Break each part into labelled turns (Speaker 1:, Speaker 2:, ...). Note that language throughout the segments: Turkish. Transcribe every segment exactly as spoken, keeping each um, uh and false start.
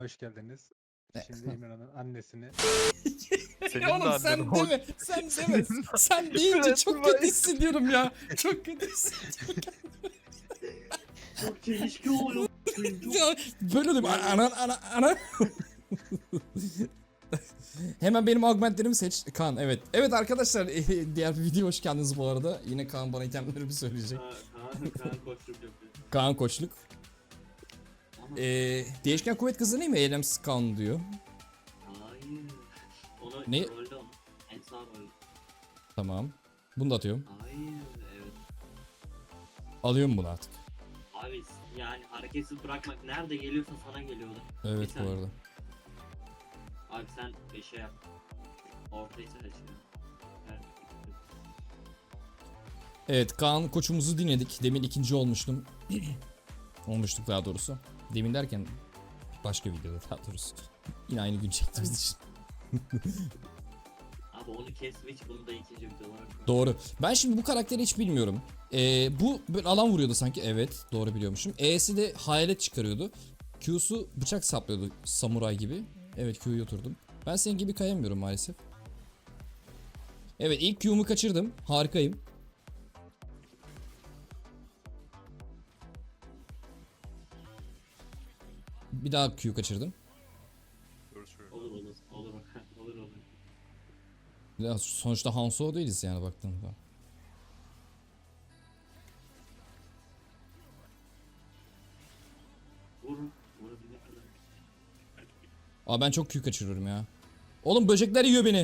Speaker 1: Hoş geldiniz.
Speaker 2: Ne?
Speaker 1: Şimdi İmran'ın annesini
Speaker 3: Senin
Speaker 2: Ya
Speaker 3: de
Speaker 2: oğlum sen
Speaker 3: annen
Speaker 2: deme, sen deme. Sen deyince
Speaker 3: Evet,
Speaker 2: çok
Speaker 3: vay.
Speaker 2: kötü hissediyorum ya. Çok kötü hissediyorum.
Speaker 4: Çok çelişki oluyor.
Speaker 2: Ya, böyle oluyor. Ana ana ana. Hemen benim augmentlerimi seç. Kaan, evet. Evet arkadaşlar, diğer bir video hoş geldiniz bu arada. Yine Kaan bana itemlerimi söyleyecek.
Speaker 4: Kaan, Kaan koşluk yapıyor.
Speaker 2: Kaan koçluk.
Speaker 4: Ama
Speaker 2: Ee, değişken kuvvet kazanayım mı? Eylems Kaan diyor.
Speaker 4: hayır. Onu
Speaker 2: Ne?
Speaker 4: rolde onu. En sağ rolde.
Speaker 2: Tamam. Bunu da atıyorum.
Speaker 4: Hayır. Evet.
Speaker 2: Alıyorum bunu artık.
Speaker 4: Abi yani hareketsiz bırakmak nerede geliyorsa sana geliyordu.
Speaker 2: Evet
Speaker 4: Bir
Speaker 2: bu
Speaker 4: saniye.
Speaker 2: arada.
Speaker 4: Abi sen beşe yap. Ortayı seç. Evet.
Speaker 2: Evet, Kaan koçumuzu dinledik. Demin ikinci olmuştum. Olmuştuk daha doğrusu. Demin derken başka videoda daha doğrusu. Yine aynı gün çektiğimiz için.
Speaker 4: Abi onu kes switch, bunu da ikinci video olarak koy.
Speaker 2: Doğru. Ben şimdi bu karakteri hiç bilmiyorum. Ee, bu böyle alan vuruyordu sanki. Evet, doğru biliyormuşum. E'si de hayalet çıkarıyordu. Q'su bıçak saplıyordu samuray gibi. Evet, Q'yu oturdum. Ben senin gibi kayamıyorum maalesef. Evet, ilk Q'mu kaçırdım. Harikayım. Bir daha Q kaçırdım.
Speaker 4: Olur olur. Olur olur olur.
Speaker 2: Ya sonuçta Hanzo değiliz yani baktığında.
Speaker 4: Vurun. Vurabilmek kadar.
Speaker 2: Aa, ben çok Q kaçırıyorum ya. Oğlum böcekler yiyor beni.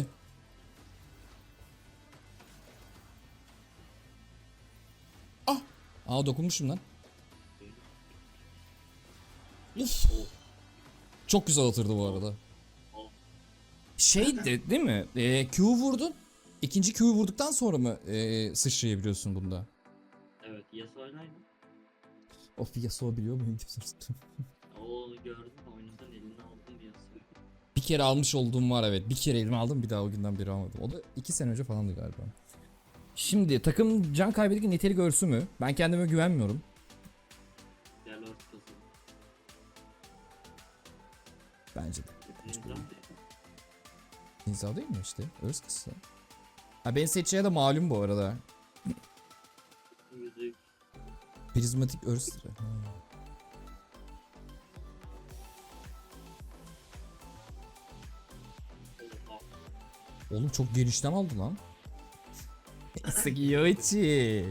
Speaker 2: Ah! Aa, dokunmuşum lan. Uf. Çok güzel atırdı bu arada. Şey de değil mi? Ee, Q vurdun. İkinci Q'yu vurduktan sonra mı ee, sıçrayabiliyorsun bunda?
Speaker 4: Evet. Yasuo'yla aynı.
Speaker 2: Of, Yasuo biliyor muyum?
Speaker 4: O gördüm oyundan elini aldım bir Yasuo'yu.
Speaker 2: Bir kere almış olduğum var, evet. Bir kere elime aldım, bir daha o günden beri almadım. O da iki sene önce falandı galiba. Şimdi takım can kaybedince nitelik örsü mü? Ben kendime güvenmiyorum.
Speaker 4: Gel ortası.
Speaker 2: Bence de.
Speaker 4: Nizam değil.
Speaker 2: İnsan değil mi işte? Örs kısa. Ha, ben seçeceği de malum bu arada.
Speaker 4: Müzik.
Speaker 2: Prizmatik örs. Ha.
Speaker 4: Oha.
Speaker 2: Oğlum çok genişten aldı lan. Sugiyoichi.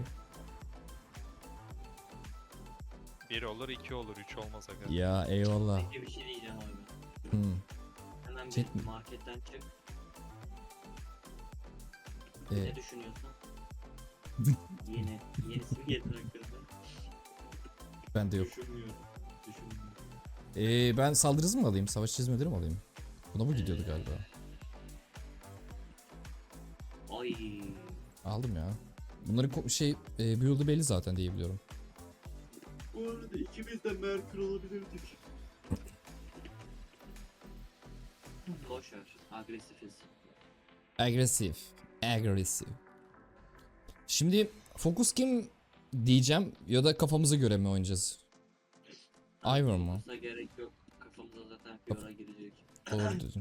Speaker 3: Bir olur, iki olur, üç olmaz aga.
Speaker 2: Ya eyvallah.
Speaker 4: Peki bir şey diyeceğim abi.
Speaker 2: Hmm.
Speaker 4: Hemen
Speaker 2: Chat mi?
Speaker 4: bir marketten çık.
Speaker 2: Ee,
Speaker 4: Ne düşünüyorsun? Yeni. Yenisi mi gelir hakkında?
Speaker 2: ben de yok.
Speaker 4: Düşünmüyorum. Düşünmüyorum.
Speaker 2: Ee, ben saldırı hızı mı alayım? Savaş çizmeleri mi alayım? Buna bu gidiyordu galiba.
Speaker 4: Ay.
Speaker 2: Aldım ya. Bunların ko- şey e, build'ı belli zaten diye biliyorum.
Speaker 4: Bu arada ikimiz de Merkür olabilirdik. Boş ver. Agresifiz.
Speaker 2: Agresif. Agresif. Şimdi fokus kim diyeceğim ya da kafamıza göre mi oynayacağız? Ivor mu?
Speaker 4: Fokus'a gerek yok. Kafamıza zaten Fiora girecek.
Speaker 2: Doğru dedin.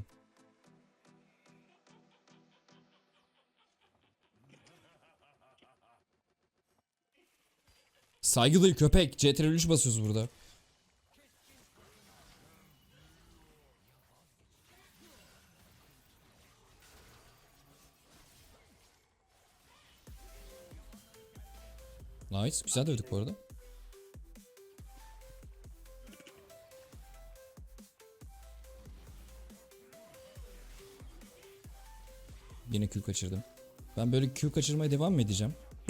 Speaker 2: Saygılı köpek. C T R L üç basıyoruz burada. Nice. Güzel dövdük bu arada. Yine Q kaçırdım. Ben böyle Q kaçırmaya devam mı edeceğim?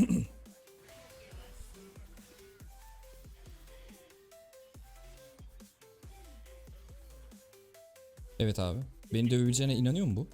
Speaker 2: Evet abi. Beni dövebileceğine inanıyor mu bu?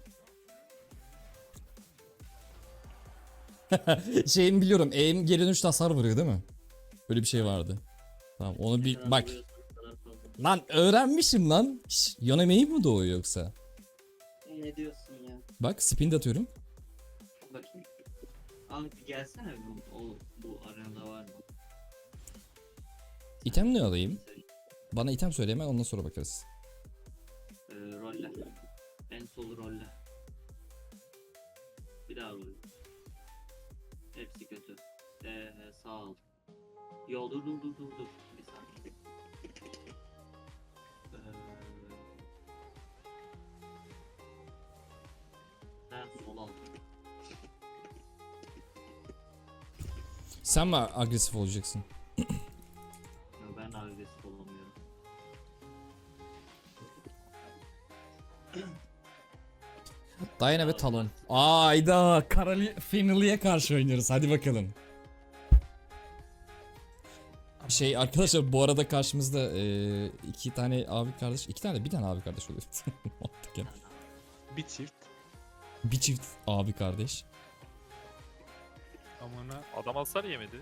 Speaker 2: Şeyimi biliyorum. Aim geri dönüşte hasar vuruyor değil mi? Böyle bir şey vardı. Tamam onu bir bak. Lan öğrenmişim lan. Şş, yan emeği mi doğuyor yoksa?
Speaker 4: Ne diyorsun ya?
Speaker 2: Bak spin de atıyorum.
Speaker 4: Bakayım. Abi bir gelsene bu, o, bu arenada var mı?
Speaker 2: İtem ne alayım? Bana item söyle hemen, ondan sonra bakarız.
Speaker 4: rolle. En sol rolle. Bir daha rolle. Hepsi kötü. Ee, sağ ol. Yo dur dur dur dur dur. Bir saniye. Ee, ben sol al.
Speaker 2: Sen mi agresif olacaksın?
Speaker 4: Yo, ben agresif olamıyorum.
Speaker 2: Diana ve Talon. Ayda Karali Finley'e karşı oynuyoruz. Hadi bakalım. Şey arkadaşlar bu arada karşımızda e, iki tane abi kardeş, iki tane de bir tane abi kardeş oluyor. Mantıken.
Speaker 1: Bir çift.
Speaker 2: Bir çift abi kardeş.
Speaker 1: Amına
Speaker 3: Adam hasar yemedi.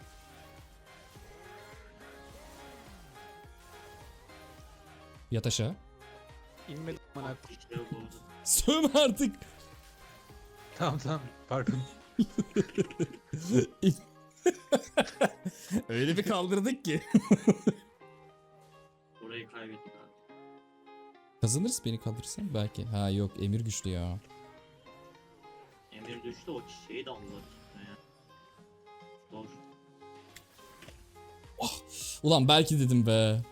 Speaker 2: Yat aşağı.
Speaker 1: inmedi amına.
Speaker 4: İşte bu.
Speaker 2: Sövme artık.
Speaker 1: Tamam tamam. Pardon.
Speaker 2: Öyle bir kaldırdık ki.
Speaker 4: Orayı kaybettik abi.
Speaker 2: Kazanırız beni kaldırırsan belki. Ha yok Emir güçlü ya.
Speaker 4: Emir düştü o çiçeği de aldılar. Yani. Zor.
Speaker 2: Ulan belki dedim be.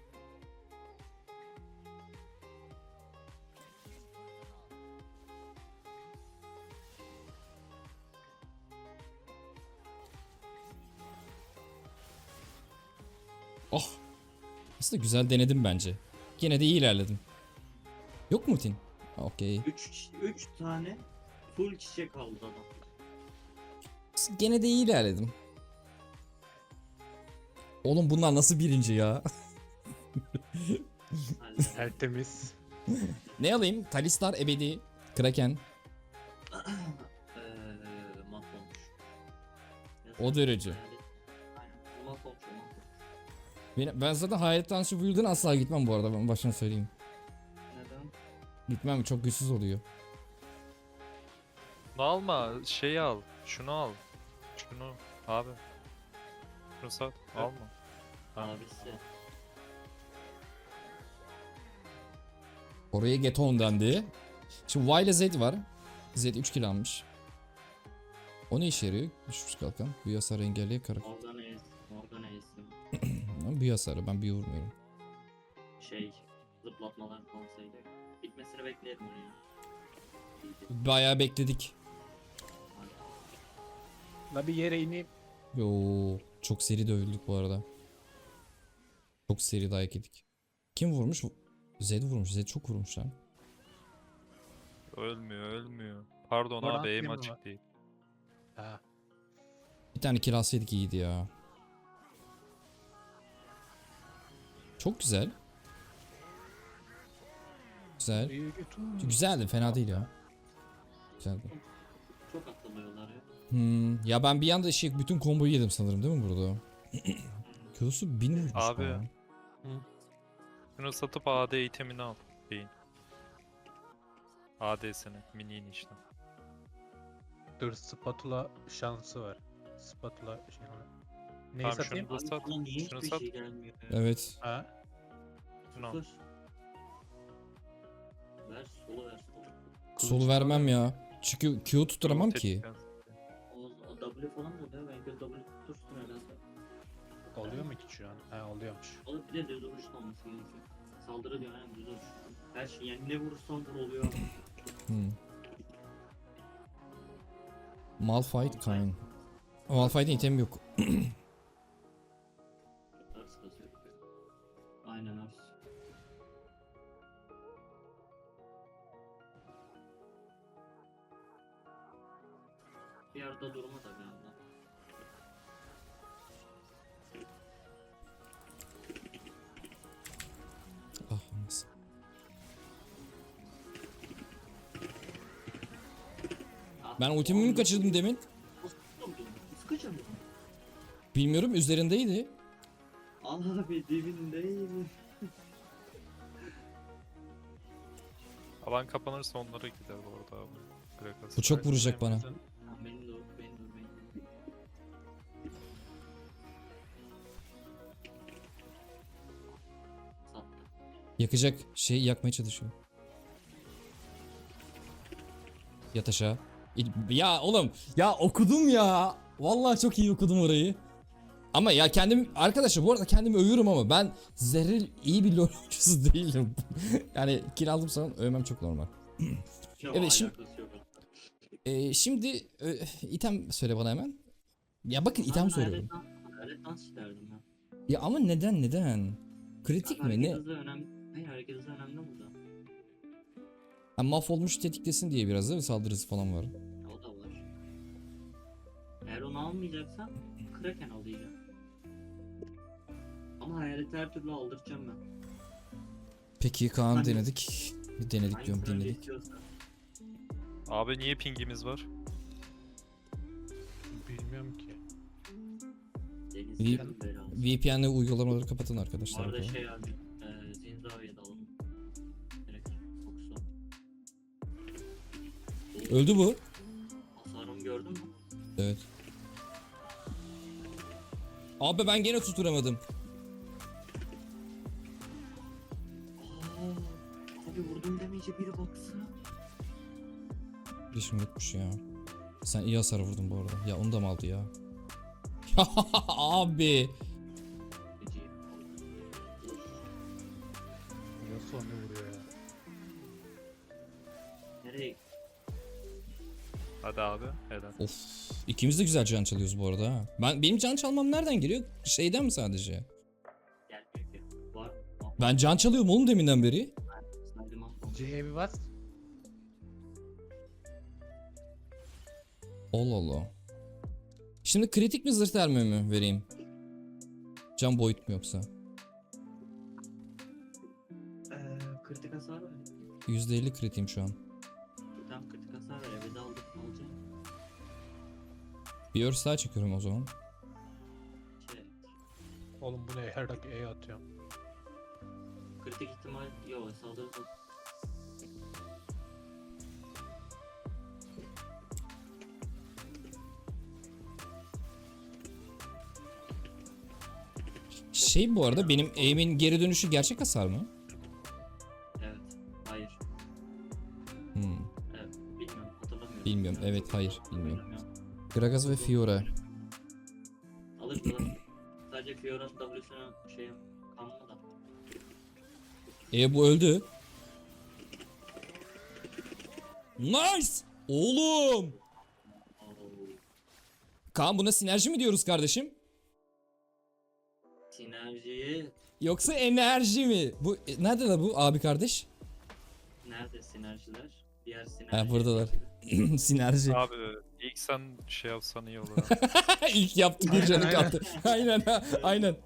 Speaker 2: Oh. Aslında güzel denedim bence. Yine de iyi ilerledim. Yok mu Tin? Okey.
Speaker 4: Üç, üç tane full çiçek aldı adam.
Speaker 2: Gene de iyi ilerledim. Oğlum bunlar nasıl birinci ya?
Speaker 4: Halledin.
Speaker 1: Tertemiz.
Speaker 2: Ne alayım? Talistar ebedi. Kraken.
Speaker 4: Eee mahvolmuş.
Speaker 2: O derece.
Speaker 4: Aynen. Mahvolmuş o mahvolmuş.
Speaker 2: Ben, ben zaten hayalet dansı build'den asla gitmem bu arada. Ben baştan söyleyeyim.
Speaker 4: Neden?
Speaker 2: Gitmem çok güçsüz oluyor.
Speaker 3: Bunu alma. Şeyi al. Şunu al. Şunu. Abi. Şunu sat. Alma.
Speaker 4: Abisi.
Speaker 2: Oraya Geton dendi. Şimdi Y ile Z var. Z üç kill almış. O ne işe yarıyor? Düşmüş kalkan. Büyü hasarı engelliye kara.
Speaker 4: Morgana es. Morgana es.
Speaker 2: Büyü hasarı ben büyü vurmuyorum.
Speaker 4: Şey. Zıplatmalar falan sayılıyor. Bitmesini bekleyelim onu ya.
Speaker 2: Bayağı bekledik.
Speaker 1: La bir yere ineyim.
Speaker 2: Yo, çok seri dövüldük bu arada. Çok seri dayak yedik. Kim vurmuş? Z vurmuş. Z çok vurmuş lan.
Speaker 3: Ölmüyor ölmüyor. Pardon
Speaker 1: Oradan
Speaker 3: abi aim
Speaker 1: atlayayım mı?
Speaker 3: açık değil.
Speaker 1: Ha.
Speaker 2: Bir tane kill alsaydık iyiydi ya. Çok güzel. Güzel.
Speaker 1: İyi götür.
Speaker 2: Güzeldi, fena değil ya. Güzeldi.
Speaker 4: Çok atlamıyorlar ya.
Speaker 2: Hmm, ya ben bir anda şey bütün komboyu yedim sanırım değil mi burada? Q'su bin vurmuş
Speaker 3: Abi.
Speaker 2: bana.
Speaker 3: Şunu satıp A D itemini al. Beyin. A D'sini. Mini'ni işte.
Speaker 1: Dur spatula şansı var. Spatula şey var. Neyi
Speaker 3: Tamam,
Speaker 1: satayım?
Speaker 3: şunu da sat.
Speaker 4: Bana niye
Speaker 3: Şunu
Speaker 4: hiçbir
Speaker 3: sat.
Speaker 4: şey gelmiyor ya?
Speaker 2: Evet.
Speaker 1: Ha.
Speaker 3: Şunu al.
Speaker 4: Dur. Ver solu ver solu.
Speaker 2: Solu vermem ya. Çünkü Q tutturamam ki.
Speaker 3: Tetikten-
Speaker 4: O, o W falan da oluyor. Ben göz W tutursun herhalde.
Speaker 1: Oluyor mu ki şu an? Ha oluyormuş.
Speaker 4: O da bir de düz vuruşta olması gerekiyor. Saldırı diyor yani düz vuruş. Her şey yani ne vurursan vur oluyor.
Speaker 2: Hmm. Malphite Kayn. Malphite'in itemi yok.
Speaker 4: Ars kasıyor. Aynen ars. Bir yerde durma tabii abla.
Speaker 2: Ah anasını. Ben ultimi mi kaçırdım demin?
Speaker 4: Nasıl durdun? Nasıl kaçırdın?
Speaker 2: Bilmiyorum, üzerindeydi.
Speaker 4: Abi dibindeyim.
Speaker 3: Alan kapanırsa onlara gider bu arada abi. Gragas.
Speaker 2: Bu çok vuracak bana.
Speaker 4: Ha, benim de o, benim de o, benim de o. Sattı.
Speaker 2: Yakacak şeyi yakmaya çalışıyor. Yat aşağı. İ- Ya oğlum ya okudum ya. Vallahi çok iyi okudum orayı. Ama ya kendim arkadaşlar bu arada kendimi övüyorum ama ben zerre iyi bir LoL oyuncusu değilim. Yani kill aldım sana övmem çok normal.
Speaker 4: Yok,
Speaker 2: Evet, şimdi-
Speaker 4: alakası yok aslında.
Speaker 2: Ee, şimdi e, item söyle bana hemen. Ya bakın item
Speaker 4: Ben
Speaker 2: soruyorum.
Speaker 4: hayalet dans- hayalet dans isterdim ben.
Speaker 2: Ya ama neden neden? Kritik
Speaker 4: Abi
Speaker 2: mi
Speaker 4: hareket
Speaker 2: ne?
Speaker 4: hızı önemli. Hayır, hareket hızı önemli burada.
Speaker 2: Ha, mahvolmuş tetiklesin diye biraz da saldırısı falan var.
Speaker 4: Ya, o da var. Eğer onu almayacaksan Kraken al diyeceğim. Ama hayaleti her türlü aldıracağım ben.
Speaker 2: Peki Kaan
Speaker 4: Hani-
Speaker 2: denedik. Bir denedik diyorum
Speaker 4: Hangisini önce
Speaker 2: dinledik.
Speaker 4: istiyorsan.
Speaker 3: Abi niye pingimiz var?
Speaker 1: Bilmiyorum ki.
Speaker 4: Deniz
Speaker 2: V-
Speaker 4: canım belası.
Speaker 2: V P N'le uygulamaları kapatın
Speaker 4: Bu
Speaker 2: arkadaşlar.
Speaker 4: arada
Speaker 2: bakalım.
Speaker 4: şey abi, e, Zinzavi'ye dalalım. Direkt fokusu.
Speaker 2: Öldü bu.
Speaker 4: Hasarımı gördün mü?
Speaker 2: Evet. Abi ben gene tutturamadım.
Speaker 4: Aa, abi vurdum demeyince biri baksana.
Speaker 2: Yaşım yokmuş ya. Sen iyi hasar vurdun bu arada. Ya onu da mı aldı ya? Ya abi.
Speaker 4: Gece.
Speaker 1: Yasuo ne vuruyor ya?
Speaker 4: Nereye?
Speaker 3: Hadi abi. Helal.
Speaker 2: Of. İkimiz de güzel can çalıyoruz bu arada ha. Ben benim can çalmam nereden geliyor? Şeyden mi sadece?
Speaker 4: Gelmiyor ki. Var. Var.
Speaker 2: Ben can çalıyorum oğlum deminden beri.
Speaker 4: Saydım aslında.
Speaker 1: C'ye bir bas.
Speaker 2: Allah Allah. Şimdi kritik mi zırh termi mi vereyim? Can boyut mu yoksa?
Speaker 4: Eee kritik hasar ver.
Speaker 2: yüzde elli kritiğim şu an.
Speaker 4: Tam kritik hasar ver. Eve de aldık. Alacağım.
Speaker 2: Bir örs daha çekiyorum o zaman.
Speaker 4: Şey.
Speaker 1: Oğlum bu ne? Her dakika E atıyorum.
Speaker 4: Kritik ihtimal yok. Saldırı da.
Speaker 2: Şey bu arada benim aim'in geri dönüşü gerçek hasar mı?
Speaker 4: Evet. Hayır.
Speaker 2: Hmm.
Speaker 4: Evet. Bilmiyorum. Hatırlamıyorum.
Speaker 2: Bilmiyorum. Evet, hayır, bilmiyorum.
Speaker 4: Oynamıyorum.
Speaker 2: Gragas ve Fiora.
Speaker 4: Alır alır. Sadece Fiora'nın W'sunu şey kanma da.
Speaker 2: E bu öldü. Nice! Oğlum!
Speaker 4: Oo.
Speaker 2: Kaan buna sinerji mi diyoruz kardeşim?
Speaker 4: Sinerjiyi
Speaker 2: Yoksa enerji mi? Bu e, nerede la bu abi kardeş?
Speaker 4: nerede sinerjiler? Diğer sinerji.
Speaker 2: Ha buradalar. Sinerji.
Speaker 3: Abi ilk sen şey yapsan iyi olur. abi.
Speaker 2: İlk yaptı bir
Speaker 1: Aynen,
Speaker 2: canı
Speaker 1: aynen.
Speaker 2: kaldı. Aynen ha, aynen.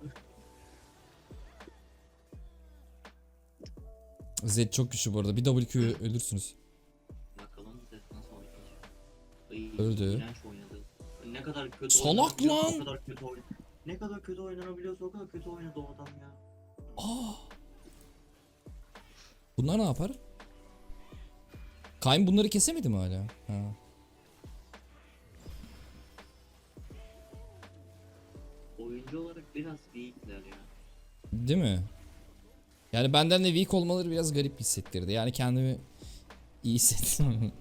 Speaker 2: Zed çok güçlü bu arada. Bir W Q ölürsünüz.
Speaker 4: Bakalım Zed nasıl oynayacak. Ay,
Speaker 2: Öldü.
Speaker 4: iğrenç oynadı. Ne kadar kötü
Speaker 2: Salak
Speaker 4: oynanabiliyorsa
Speaker 2: lan!
Speaker 4: O kadar kötü oyn. Ne kadar kötü oynanabiliyorsa o kadar kötü oynadı o adam ya.
Speaker 2: Aa. Bunlar ne yapar? Kayn bunları kesemedi mi hala? Ha.
Speaker 4: Oyuncu olarak biraz weakler ya.
Speaker 2: Değil mi? Yani benden de weak olmaları biraz garip hissettirdi. Yani kendimi iyi hissettim.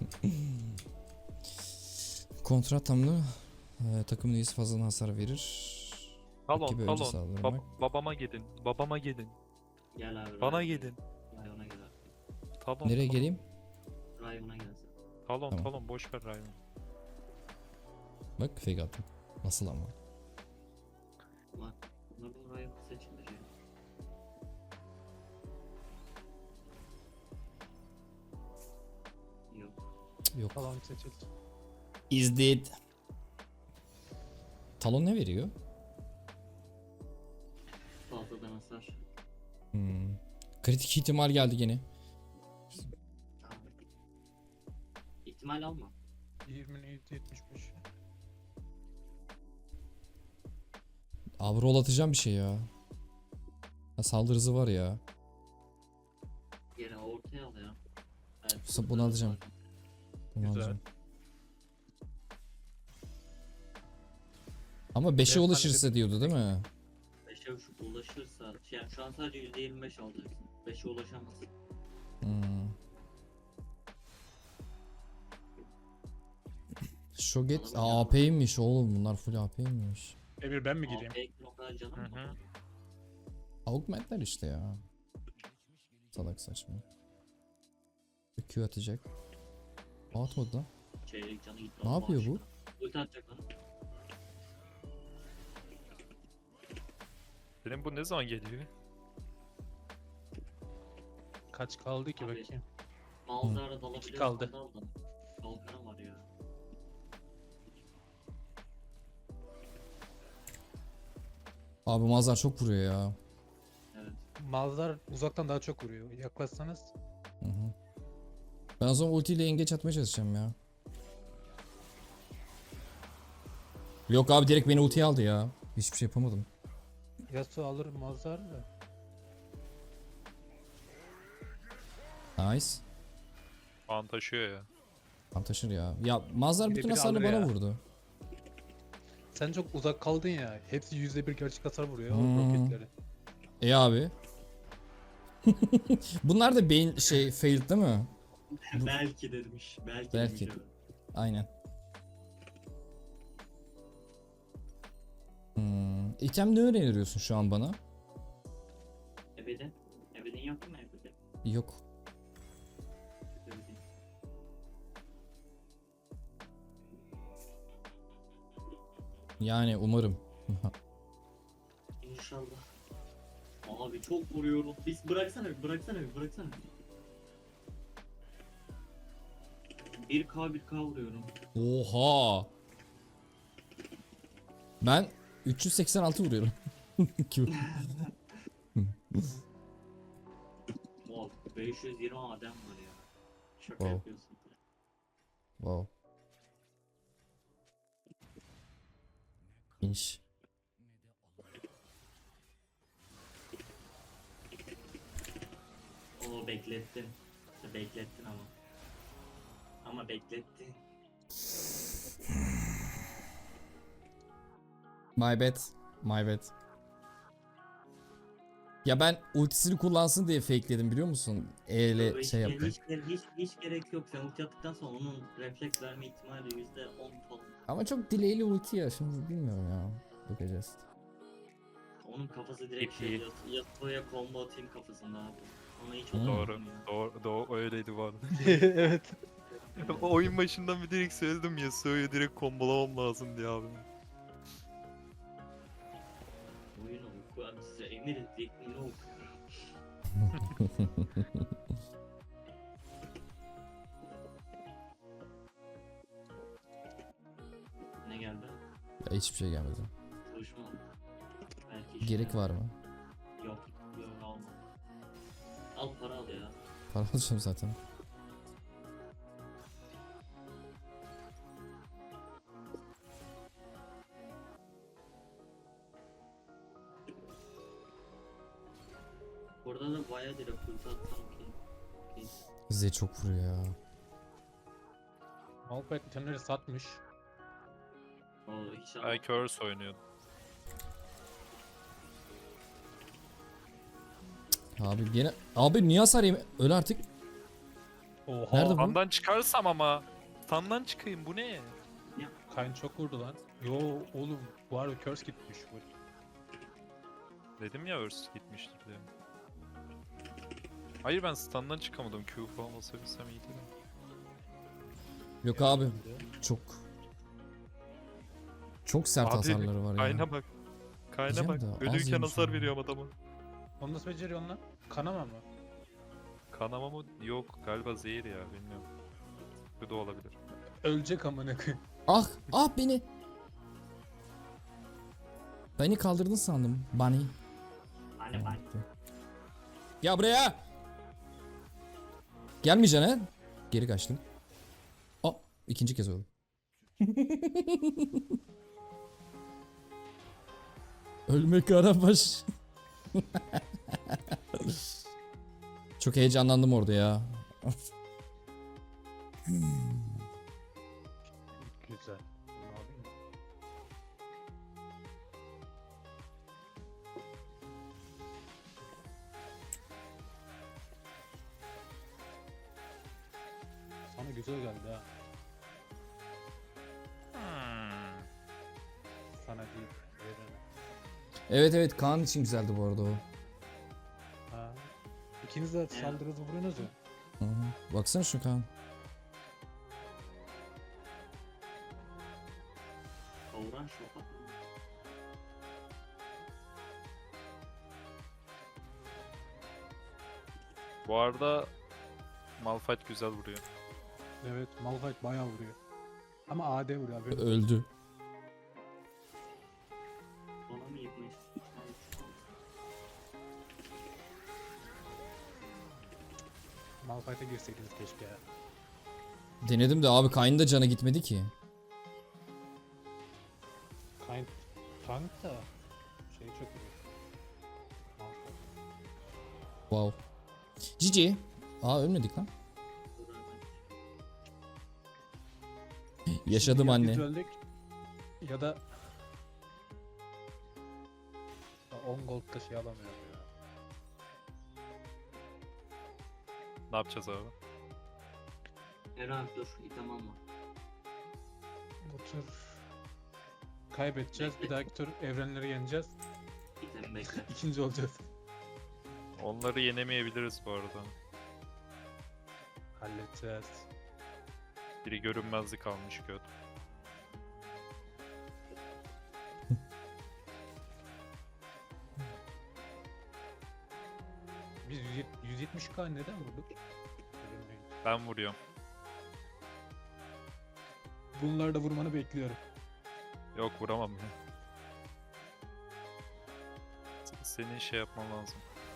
Speaker 2: Kontrat tamlı. Ee, takımın üyesi fazla hasar verir.
Speaker 3: Talon
Speaker 2: Rakibe önce
Speaker 3: talon.
Speaker 2: saldırmak.
Speaker 3: Bab- babama gidin. Babama gidin.
Speaker 4: Gel abi.
Speaker 3: Bana
Speaker 4: Ryan'a
Speaker 3: gidin.
Speaker 4: gel. Ryan'a gel abi.
Speaker 3: Talon.
Speaker 2: Nereye
Speaker 3: talon.
Speaker 2: geleyim?
Speaker 4: Ryan'a gelsin.
Speaker 3: Talon
Speaker 2: Tamam.
Speaker 3: talon boş ver Ryan.
Speaker 2: Bak fake attım. Nasıl ama?
Speaker 4: Bak. Bunların Ryan seçilir ya. Yok.
Speaker 2: Yok.
Speaker 1: Falan seçildi.
Speaker 2: Is dead. Talon ne veriyor?
Speaker 4: Fazladan hasar.
Speaker 2: Hmm. Kritik ihtimal geldi gene.
Speaker 4: Tamam. İhtimal alma.
Speaker 1: yirmi yedi yetmiş beş.
Speaker 2: Abi roll atacağım bir şey ya. Ha, saldırı hızı var ya.
Speaker 4: Yine ortaya al ya. Evet,
Speaker 2: Bunu
Speaker 4: burada
Speaker 2: alacağım.
Speaker 4: var.
Speaker 2: Bunu
Speaker 1: Güzel.
Speaker 2: alacağım. Ama beşe
Speaker 1: Evet,
Speaker 2: ulaşırsa diyordu değil mi?
Speaker 4: beşe ulaşırsa, yani şu an sadece yüzde yirmi beş alacaksın. Flash'e ulaşamaz.
Speaker 2: Hmm. Shoget Aa, A P'ymiş oğlum, bunlar full A P'ymiş.
Speaker 1: Emir ben mi gireyim?
Speaker 4: A P o kadar canım
Speaker 3: Hı
Speaker 4: mı?
Speaker 3: hı.
Speaker 2: Augmentler işte ya. Salak saçma. Q atacak. Aa, atmadı lan.
Speaker 4: Çeyrek canı gitti.
Speaker 2: Ne
Speaker 4: Allah
Speaker 2: yapıyor bu?
Speaker 4: aşkına. Ulti atacak lan.
Speaker 3: Benim bu ne zaman geliyor?
Speaker 1: Kaç kaldı ki
Speaker 4: Abi.
Speaker 1: bakayım.
Speaker 4: Malzara dalabilir.
Speaker 1: kaldı.
Speaker 4: Kalkanı var ya.
Speaker 2: Abi Mazhar çok vuruyor ya.
Speaker 4: Evet.
Speaker 1: Malzar uzaktan daha çok vuruyor. Yaklaşsanız.
Speaker 2: Hı hı. Ben o zaman ultiyle engeç atmaya çalışacağım ya. Yok abi, direkt beni ultiye aldı ya. Hiçbir şey yapamadım.
Speaker 1: Yasuo alır Malzar da.
Speaker 2: Nice.
Speaker 3: Puan taşıyor ya.
Speaker 2: Tam taşır ya. Ya Mazhar
Speaker 1: Bir de
Speaker 2: bütün
Speaker 1: biri
Speaker 2: hasarını
Speaker 1: alır
Speaker 2: bana
Speaker 1: ya.
Speaker 2: vurdu.
Speaker 1: Sen çok uzak kaldın ya. Hepsi yüzde bir gerçek hasar vuruyor
Speaker 2: Hmm.
Speaker 1: o roketleri.
Speaker 2: E abi. Bunlar da beyin şey failed değil mi?
Speaker 4: Belki demiş. Belki,
Speaker 2: Belki.
Speaker 4: demiş. Evet.
Speaker 2: Aynen. Hmm. İtem ne öğreniyorsun şu an bana?
Speaker 4: Ebeden. Ebeden yok mu ebeden?
Speaker 2: Yok.
Speaker 4: Ebeden.
Speaker 2: Yani umarım.
Speaker 4: İnşallah. Abi çok vuruyorum. Biz bıraksana bir, bıraksana bir, bıraksana bir. bir K bir K vuruyorum.
Speaker 2: Oha. Ben üç yüz seksen altı vuruyorum. Q.
Speaker 4: Wow, beş yüz yirmi adem var ya. Şaka
Speaker 2: Wow.
Speaker 4: yapıyorsun.
Speaker 2: Wow. İnş.
Speaker 4: Oo beklettin. Beklettin ama. Ama beklettin.
Speaker 2: My bad. My bad. Ya ben ultisini kullansın diye fakeledim, biliyor musun? E ile
Speaker 4: Hiç,
Speaker 2: şey
Speaker 4: hiç,
Speaker 2: yaptım.
Speaker 4: hiç, hiç, hiç gerek yok. Sen ulti attıktan sonra onun refleks verme ihtimali yüzde on falan.
Speaker 2: Ama çok delay'li ulti ya, şimdi bilmiyorum ya. Bakacağız.
Speaker 4: Onun kafası direkt
Speaker 3: İp
Speaker 4: şey
Speaker 3: iyi.
Speaker 4: Yas- Yasuo'ya combo atayım kafasında abi. Ona hiç
Speaker 2: Hmm.
Speaker 3: Doğru.
Speaker 4: oturmuyor.
Speaker 3: Doğru, doğru öyleydi bu arada.
Speaker 1: Evet.
Speaker 3: O oyun başından bir direkt söyledim Yasuo'yu direkt kombolamam lazım diye abi.
Speaker 4: Oyunu oku abi size emir ettiğini oku. Ne geldi?
Speaker 2: Ya hiçbir şey gelmedi.
Speaker 4: Çalışma. Belki işte.
Speaker 2: Gerek var mı?
Speaker 4: Yok. Yok alma. Al para al ya.
Speaker 2: Para alacağım zaten.
Speaker 4: Burada da bayağı direkt ulti atsam ki. Okey.
Speaker 2: Z çok vuruyor ya.
Speaker 1: Malphite itemleri satmış.
Speaker 4: Oo hiç al.
Speaker 3: Ay Curse oynuyordu.
Speaker 2: Abi gene... Abi niye hasar yeme... Öl artık.
Speaker 1: Oha.
Speaker 2: Nerede bu?
Speaker 3: Standan çıkarsam ama. Standan çıkayım bu ne?
Speaker 1: Kayn çok vurdu lan. Yo oğlum. Bu arada curse gitmiş. bu.
Speaker 3: Dedim ya Earth gitmiştir diye. Hayır ben standan çıkamadım. Q falan basabilsem iyiydi de.
Speaker 2: Yok abi. Çok... Çok sert
Speaker 3: Abi,
Speaker 2: hasarları var ya.
Speaker 3: Kayna bak. Kayna
Speaker 2: Diyeceğim
Speaker 3: bak.
Speaker 2: de az
Speaker 3: Ölüyken
Speaker 2: yemiş
Speaker 3: hasar
Speaker 2: ama.
Speaker 3: veriyorum adama.
Speaker 1: Onu nasıl beceriyorsun lan? Kanama mı?
Speaker 3: Kanama mı? Yok galiba zehir ya bilmiyorum. Bu da olabilir.
Speaker 1: Ölecek amına koyayım.
Speaker 2: Ah! Ah beni! Beni kaldırdın sandım. Bunny.
Speaker 4: Hani ben.
Speaker 2: Ya buraya! Gelmeyeceksin he? Geri kaçtım. Aa! ikinci kez oldu. Ölmek karabaş. Çok heyecanlandım orada ya.
Speaker 1: Güzel. Bunu alayım mı? güzel geldi ha.
Speaker 3: Hmm.
Speaker 1: Sana değil. Evrene.
Speaker 2: Evet evet Kaan için güzeldi bu arada o.
Speaker 1: Ha. İkiniz de saldırı hızı vuruyorsunuz ya.
Speaker 2: Hı hı. Baksana şu Kaan.
Speaker 4: Kavuran şofak.
Speaker 3: Bu arada Malphite güzel vuruyor.
Speaker 1: Evet, Malphite bayağı vuruyor. Ama A D vuruyor abi.
Speaker 2: Öldü.
Speaker 4: Ona mı yetmiş?
Speaker 1: Malphite'e girseydiniz keşke ya.
Speaker 2: Denedim de abi Kayn'ın da canı gitmedi ki.
Speaker 1: Kind tank da şey çok iyi. Malphite.
Speaker 2: Wow. Cici. Aa ölmedik lan. Yaşadım
Speaker 1: Ya
Speaker 2: anne.
Speaker 1: biz öldük ya da on gold'da şey alamıyorum ya.
Speaker 3: Ne yapacağız abi?
Speaker 4: Eren dur, item alma.
Speaker 1: Bu tur kaybedeceğiz. Bir dahaki tur evrenleri yeneceğiz.
Speaker 4: İtem bekle.
Speaker 1: İkinci olacağız.
Speaker 3: Onları yenemeyebiliriz bu arada.
Speaker 1: Halledeceğiz.
Speaker 3: Biri görünmezlik almış göt.
Speaker 1: Biz yüz yetmiş K neden vurduk? Bilmiyorum.
Speaker 3: Ben vuruyorum.
Speaker 1: Bunları da vurmanı bekliyorum.
Speaker 3: Yok vuramam ya. S- Senin şey yapman lazım.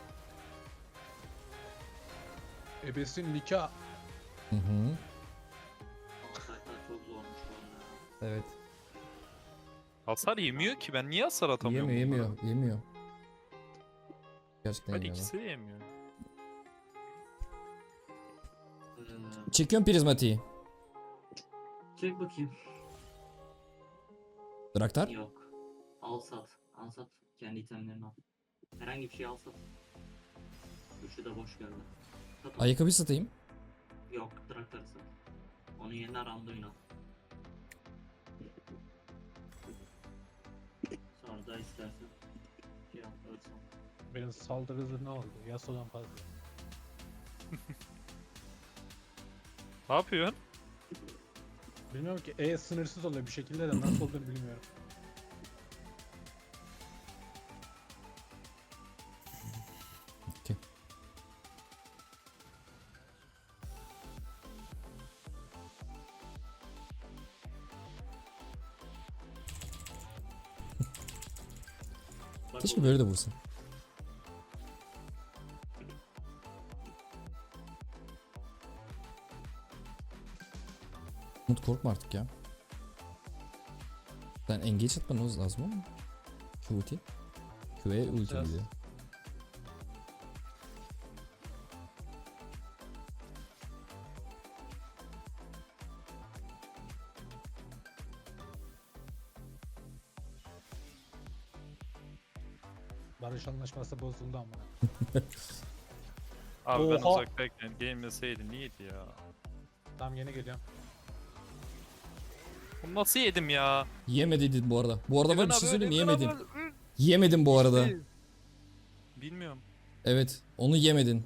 Speaker 1: Ebesin nikah.
Speaker 2: Hı hı.
Speaker 4: Malphite'lar çok zormuş bu arada.
Speaker 2: Evet.
Speaker 3: Hasar yemiyor ki, ben niye hasar atamıyorum?
Speaker 2: Yemiyor
Speaker 3: bunlara?
Speaker 2: yemiyor yemiyor. Gerçekten
Speaker 3: Hadi
Speaker 2: yemiyor.
Speaker 3: ikisi de yemiyor.
Speaker 4: Ee,
Speaker 2: Çekiyorum prizmatiği.
Speaker 4: çek bakayım.
Speaker 2: Draktar.
Speaker 4: Yok. Al sat. Al sat. Kendi itemlerini al. Herhangi bir şey al sat. Üçü de boş geldi. Sat onu.
Speaker 2: Ayakkabı satayım.
Speaker 4: Yok. Traktörü sat. Onun yerine Randuin al. Sonra da istersen şey yap. Ölsün.
Speaker 1: Benim saldırı hızı ne oldu? Yasuo'dan fazla.
Speaker 3: Ne yapıyorsun?
Speaker 1: Bilmiyorum ki E sınırsız oluyor bir şekilde de nasıl olduğunu bilmiyorum.
Speaker 2: Okey.
Speaker 4: Bak
Speaker 2: Keşke
Speaker 4: o-
Speaker 2: böyle de vursa. Umut korkma artık ya. Sen engage atmanız lazım ama. Q ulti. Q'ye ulti
Speaker 1: Atacağız.
Speaker 2: gidiyor.
Speaker 1: Barış anlaşması bozuldu ama.
Speaker 3: Abi ben
Speaker 1: Oha!
Speaker 3: uzaktayken gelmeseydin iyiydi ya.
Speaker 1: Tam yeni geliyorum.
Speaker 3: Bunu nasıl yedim ya?
Speaker 2: Yemedin bu arada. Bu arada var bir
Speaker 3: Evren
Speaker 2: şey
Speaker 3: abi,
Speaker 2: söyleyeyim mi?
Speaker 3: Evren
Speaker 2: Yemedin.
Speaker 3: abi, ı,
Speaker 2: Yemedin bu arada.
Speaker 3: işte. Bilmiyorum.
Speaker 2: Evet. Onu yemedin.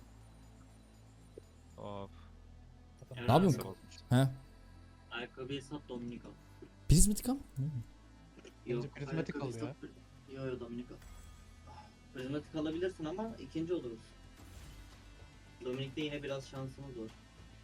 Speaker 3: Of.
Speaker 4: Eren
Speaker 2: Ne yapıyorsun?
Speaker 4: abi,
Speaker 2: He?
Speaker 4: Ayakkabıyı sat Dominik al.
Speaker 2: Prizmatik al.
Speaker 1: Bence prizmatik
Speaker 4: ayakkabıyı
Speaker 1: al ya.
Speaker 4: sat. Yo yo Dominik al. Prizmatik alabilirsin ama ikinci oluruz. Dominik'te yine biraz şansımız var.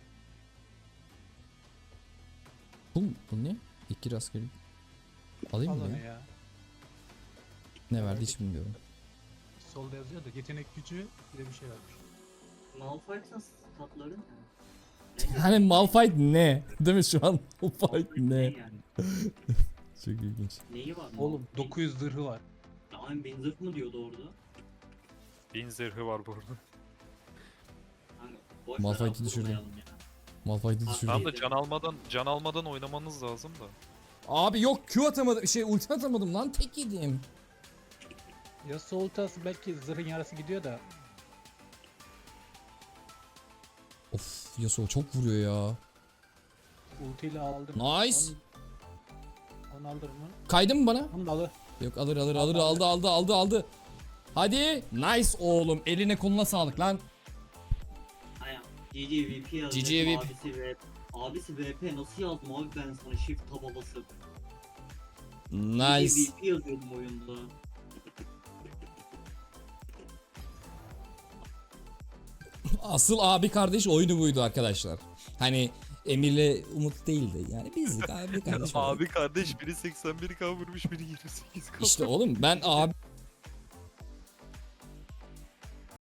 Speaker 2: Bu, bu ne? İki rastgele. Alayım
Speaker 1: Al
Speaker 2: mı
Speaker 1: onu
Speaker 2: ya?
Speaker 1: ya.
Speaker 2: Ne verdi hiç bilmiyorum.
Speaker 1: Solda yazıyor da yetenek gücü bir de bir şey vermiş.
Speaker 4: Malphite'ın statları ne? Ne
Speaker 2: Hani Malphite ne? Değil mi şu an? Malphite
Speaker 4: ne
Speaker 2: ne?
Speaker 4: yani?
Speaker 2: Çok ilginç.
Speaker 4: Neyi var?
Speaker 1: Oğlum
Speaker 4: Malphite?
Speaker 1: dokuz yüz zırhı var.
Speaker 4: Ya aynı ben zırh mı diyordu orada?
Speaker 3: Bin zırhı var burada.
Speaker 4: Hani boş
Speaker 2: Malphite'i
Speaker 4: ver,
Speaker 2: düşürdüm.
Speaker 4: vurmayalım ya.
Speaker 2: Malphite'i
Speaker 4: Abi,
Speaker 2: düşürdüm.
Speaker 3: Tamam da can almadan can almadan oynamanız lazım da.
Speaker 2: Abi yok Q atamadım. Şey ulti atamadım lan. Tek yedim.
Speaker 1: Yasuo ultası belki zırhın yarısı gidiyor da.
Speaker 2: Of Yasuo çok vuruyor ya.
Speaker 1: ultiyle aldım.
Speaker 2: Nice.
Speaker 1: Onu, onu alır mı?
Speaker 2: Kaydın mı bana?
Speaker 1: Onu da alır.
Speaker 2: Yok alır alır alır aldı aldı aldı aldı. Hadi. Nice oğlum. Eline koluna sağlık lan.
Speaker 4: Aynen. G G V P yazdım.
Speaker 2: G G V P.
Speaker 4: Abisi V P. Abisi V P nasıl yazdım abi ben sana shift taba basıp.
Speaker 2: Nice.
Speaker 4: G G V P yazıyordum oyunda.
Speaker 2: Asıl abi kardeş oyunu buydu arkadaşlar. Hani Emir'le Umut değildi. Yani bizdik abi kardeş.
Speaker 3: Abi kardeş biri seksen bir K vurmuş biri yirmi sekiz K.
Speaker 2: İşte oğlum ben abi